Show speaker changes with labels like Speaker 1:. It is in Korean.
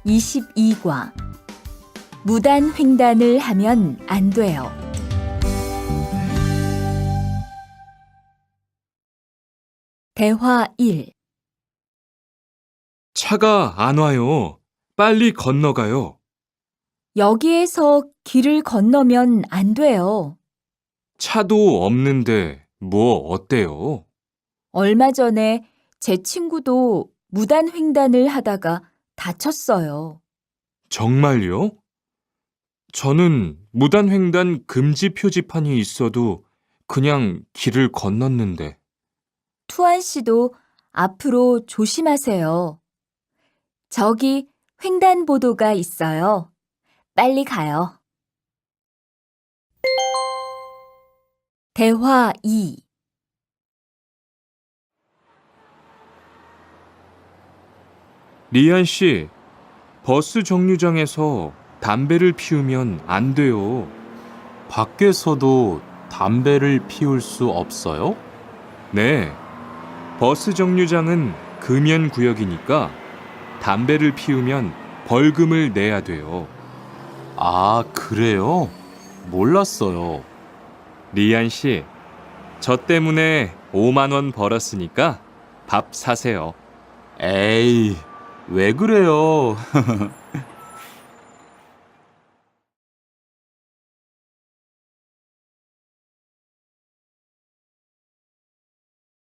Speaker 1: 22과 무단 횡단을 하면 안 돼요. 대화 1.
Speaker 2: 차가 안 와요. 빨리 건너가요.
Speaker 1: 여기에서 길을 건너면 안 돼요.
Speaker 2: 차도 없는데 뭐 어때요?
Speaker 1: 얼마 전에 제 친구도 무단 횡단을 하다가 다쳤어요.
Speaker 2: 정말요? 저는 무단횡단 금지 표지판이 있어도 그냥 길을 건넜는데.
Speaker 1: 투안 씨도 앞으로 조심하세요. 저기 횡단보도가 있어요. 빨리 가요. 대화 2.
Speaker 2: 리안 씨, 버스 정류장에서 담배를 피우면 안 돼요.
Speaker 3: 밖에서도 담배를 피울 수 없어요?
Speaker 2: 네. 버스 정류장은 금연 구역이니까 담배를 피우면 벌금을 내야 돼요.
Speaker 3: 아, 그래요? 몰랐어요.
Speaker 2: 리안 씨, 저 때문에 5만 원 벌었으니까 밥 사세요.
Speaker 3: 에이, 왜 그래요?